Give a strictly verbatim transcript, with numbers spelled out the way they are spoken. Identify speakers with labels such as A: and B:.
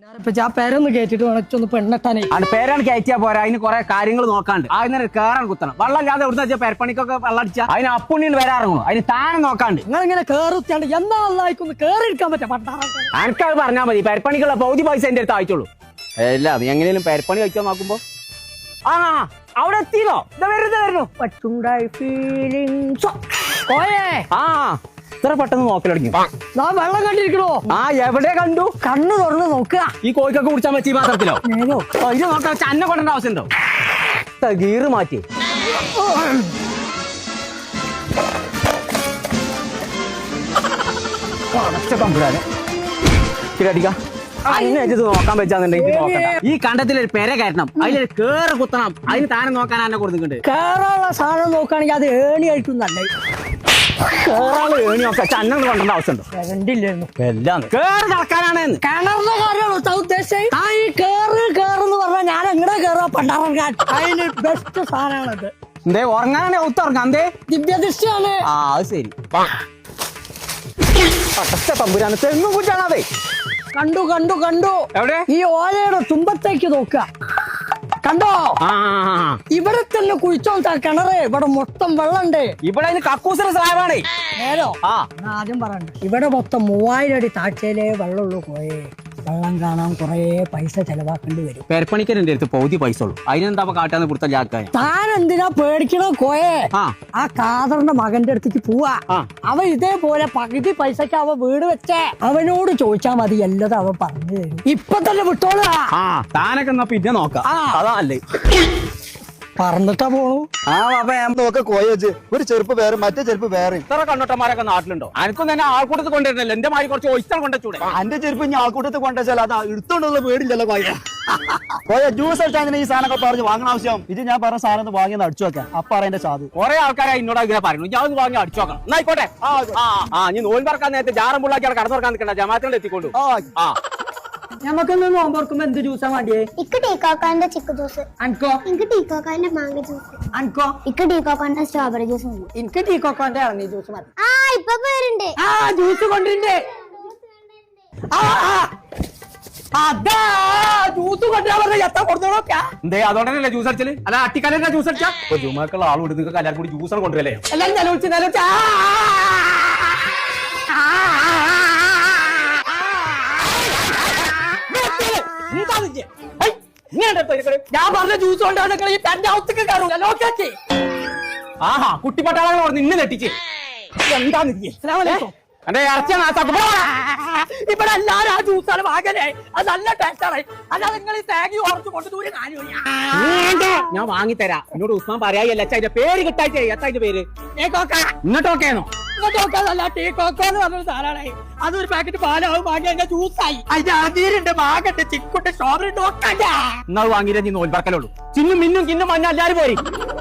A: പേരൊന്ന് കയറ്റിട്ട് വേണം പെണ്ണെട്ടാനേ
B: അത് പേരാണ് കയറ്റിയാ പോരാ. അതിന് കുറെ കാര്യങ്ങൾ നോക്കാണ്ട്. അതിന് കേറാൻ കുത്തണം. വെള്ളം ഇല്ലാതെ എവിടുന്ന് വെച്ചാൽ പെരപ്പണിക്കൊക്കെ വെള്ളം അടിച്ചാൽ അതിന് അപ്പുണ്ണിന് വരാറുള്ളൂ. അതിന് താനെ നോക്കാണ്ട്.
A: നിങ്ങൾ ഇങ്ങനെ കേറുത്തിയാണ്ട് എന്നാ അല്ലായിക്കൊന്ന് കേറിയിരിക്കാൻ പറ്റാ
B: എനിക്കത് പറഞ്ഞാൽ മതി. പെരപ്പണിക്കുള്ള പൗതി പൈസ എന്റെ അടുത്ത് അയച്ചോളൂ. അല്ല എങ്ങനെയും പെരപ്പണി കഴിച്ചാൽ നോക്കുമ്പോ ആ അവിടെ എത്തിയോ? ഇത് വരുന്നത് വരുന്നു. ആ ഇത്ര പെട്ടെന്ന് നോക്കൽ തുടങ്ങി.
A: വെള്ളം കണ്ടിരിക്കണോ?
B: ആ എവിടെ കണ്ടു?
A: കണ്ണു തുറന്ന് നോക്കുക.
B: ഈ കോഴിക്കൊക്കെ കുടിച്ചാൽ പറ്റി മാത്രത്തിലോ? ഇത് നോക്കാൻ ചന്ന കൊണ്ടേണ്ട ആവശ്യമുണ്ടോ? ഗീറ് മാറ്റി കമ്പുരാന് അടിക്കാം. നോക്കാൻ വെച്ചാന്നുണ്ടെങ്കിൽ ഈ കണ്ടത്തിലൊരു പെര കയറ്റണം. അതിലൊരു കേറ് കുത്തണം. അതിന് താനെ നോക്കാൻ എന്നെ കൊടുക്കുന്നുണ്ട്.
A: കേറാനുള്ള സാധനം നോക്കുകയാണെങ്കിൽ അത് ഏണി ആയിട്ടും നല്ല
B: കേറാള് ഏണി നോക്കാം. ചന്ന കൊണ്ടേണ്ട ആവശ്യമുണ്ടോ?
A: കണ്ടില്ലായിരുന്നു.
B: എല്ലാം കേറ് നടക്കാനാണ്.
A: കിണറിന്റെ കാര്യമാണോ ഉദ്ദേശിച്ചത്? ആ ഈ കേറ് കേറെന്ന് പറഞ്ഞാൽ ഞാൻ എങ്ങനെ കേറുക? പണ്ടാറങ്ങാൻ അതിന് ബെസ്റ്റ് സാധനമാണത്.
B: എന്തേ ഉറങ്ങാനാണ് ഒത്തുറങ്ങാം. എന്തേ
A: ദിവ്യദൃഷ്ടിയാണ്.
B: ആ അത് ശരി. തമ്പുരാണ് തെങ്ങും കുറ്റാണതേ.
A: കണ്ടു കണ്ടു കണ്ടു.
B: എവിടെ?
A: ഈ ഓലയുടെ തുമ്പത്തേക്ക് നോക്കുക. കണ്ടോ? ഇവിടെ തന്നെ കുഴിച്ചോ കിണറ്. ഇവിടെ മൊത്തം വെള്ളമുണ്ട്.
B: ഇവിടെ കക്കൂസിന്റെ സ്ലാബാണേ.
A: നേരോ ആദ്യം പറയണ്ട. ഇവിടെ മൊത്തം മൂവായിരം അടി താഴ്ചയിലേ വെള്ളമുള്ളൂ. പോയേ വെള്ളം കാണാൻ കൊറേ പൈസ ചെലവാക്കേണ്ടി വരും.
B: പെരപ്പണിക്കരന്റെ അടുത്ത് പൗതി പൈസ ഉള്ളൂ. അതിനെന്താ കാട്ടാന്ന് കൊടുത്ത ജാക്കാൻ.
A: താൻ എന്തിനാ പേടിക്കണോ കോയെ? ആ കാതറിന്റെ മകന്റെ അടുത്തേക്ക് പോവാ. അവൻ ഇതേപോലെ പകുതി പൈസക്ക് അവൻ വീട് വെച്ചേ. അവനോട് ചോദിച്ചാ മതി. എല്ലാം അവൻ പറഞ്ഞു തരും. ഇപ്പൊ തന്നെ വിട്ടോളാ.
B: താനൊക്കെ എന്നാ പിന്നെ നോക്കാം. അതാണല്ലേ
A: പറഞ്ഞിട്ടാ പോണു.
C: ആ ബാബ ഞാൻ നോക്ക കോയച്ച് ഒരു ചെരുപ്പ് വേറെ മറ്റേ ചെരുപ്പ് വേറെ.
B: ഇത്ര കണ്ണോട്ടന്മാരൊക്കെ നാട്ടിലുണ്ടോ? എനിക്കും തന്നെ ആൾക്കൂട്ടത്ത് കൊണ്ടുവരുന്നല്ലോ. എന്റെ മാതിരി കുറച്ച് ഒഴിച്ചാൽ കൊണ്ടുവച്ചൂടെ?
C: എന്റെ ചെരുപ്പ് ഇനി ആൾക്കൂട്ടത്ത് കൊണ്ടുവച്ചാൽ അത് എടുത്തോണ്ടുള്ള പേടില്ലല്ലോ കോയ. കോയ ജ്യൂസ് അടിച്ചാൽ ഈ സാധനമൊക്കെ പറഞ്ഞ് വാങ്ങണ ആവശ്യം. ഇത് ഞാൻ പറഞ്ഞ സാധനം വാങ്ങി അടിച്ചു വെക്കാം. അപ്പൊ അറിയാൻ സാധു
B: കുറെ ആൾക്കാരെ എന്നോട് ഇങ്ങനെ പറയുന്നു. ഞാൻ ഒന്ന് വാങ്ങി അടിച്ചു നോക്കണം. എന്നായിക്കോട്ടെ. ആ നീ നോൻ പറക്കാൻ നേരത്തെ ജാറം പുള്ളാക്കി കടന്നു തുറക്കാൻ നിൽക്കണ്ട. ജമാത്തിനോട് എത്തിക്കൊണ്ടു. ആ
A: ഞമ്മക്കൊന്ന് നോമ്പുറക്കുമ്പോ എന്ത് ജ്യൂസാ വേണ്ടിയേ?
D: ഇക്ക് ടീക്കോക്കാന്റെ ചിക്കു ജ്യൂസ്.
A: അൻകോ?
D: എനിക്ക് ടീക്കോക്കാന്റെ മാങ്ങ ജ്യൂസ്.
A: അൻകോ?
D: ഇക്ക് ടീക്കോക്കാന്റെ സ്ട്രോബെറി ജ്യൂസ് മതി.
A: എനിക്ക് ടീക്കോക്കാന്റെ ഇറങ്ങി ജ്യൂസ് മതി.
D: ആ ഇപ്പൊ പേരുണ്ട്.
A: ആ ജ്യൂസ് കൊണ്ടിണ്ട്. അതാ ജ്യൂസ് കൊണ്ടുവരാൻ പറഞ്ഞ എത്ര കൊടുത്തോളൊക്കെ.
B: എന്തേ അതോടനല്ലേ ജ്യൂസ് അടിച്ചല്? അല്ല അട്ടിക്കാലെ ജ്യൂസ് അടിച്ചാ ജുമാക്കുള്ള ആൾ കൊടുത്ത് നിങ്ങൾക്ക് എല്ലാവരും കൂടി ജ്യൂസാണ് കൊണ്ടുവരല്ലേ?
A: എല്ലാരും നിലവിളിച്ച് നിലവിളിച്ച് ഞാൻ പറഞ്ഞ ജ്യൂസ് കൊണ്ടാണ് ഈ തന്റെ അവസ്ഥക്ക് കയറും.
B: ആഹാ കുട്ടിപ്പട്ടാളങ്ങൾ പറഞ്ഞ് ഇന്ന് തെറ്റിച്ച് എന്താന്ന് എന്റെ ഇറച്ചിയാണ്.
A: ഇവിടെ എല്ലാരും ആ ജ്യൂസാണ് വാങ്ങലേ. അത് നല്ല ടേസ്റ്റാണ്. അല്ലാതെ നിങ്ങൾ ഈ തേങ്ങ ഉറച്ചു കൊണ്ട് ദൂരെ
B: ഞാൻ വാങ്ങിത്തരാം. എന്നോട് ഉസ്മാൻ പറയായല്ല. അതിന്റെ പേര് കിട്ടായിട്ടേ. എത്താന്റെ പേര് ഇങ്ങോട്ട് ഓക്കെയാണോ?
A: ഇങ്ങോട്ടോക്കല്ല ടീ കോക്കോ എന്ന് പറഞ്ഞൊരു സാധനമാണ്. അതൊരു പാക്കറ്റ് പാലാവും വാങ്ങി അതിന്റെ ജ്യൂസായി. അതിന്റെ അതിരുണ്ട് മാങ്ങണ്ട് ചിക്കുണ്ട് സ്ട്രോബെറി ഉണ്ട്.
B: എന്നാ വാങ്ങിയില്ല നീ നോൽ പറക്കലുള്ളൂ. ചിന്നും മിന്നും കിന്നും മഞ്ഞ എല്ലാരും പോരി.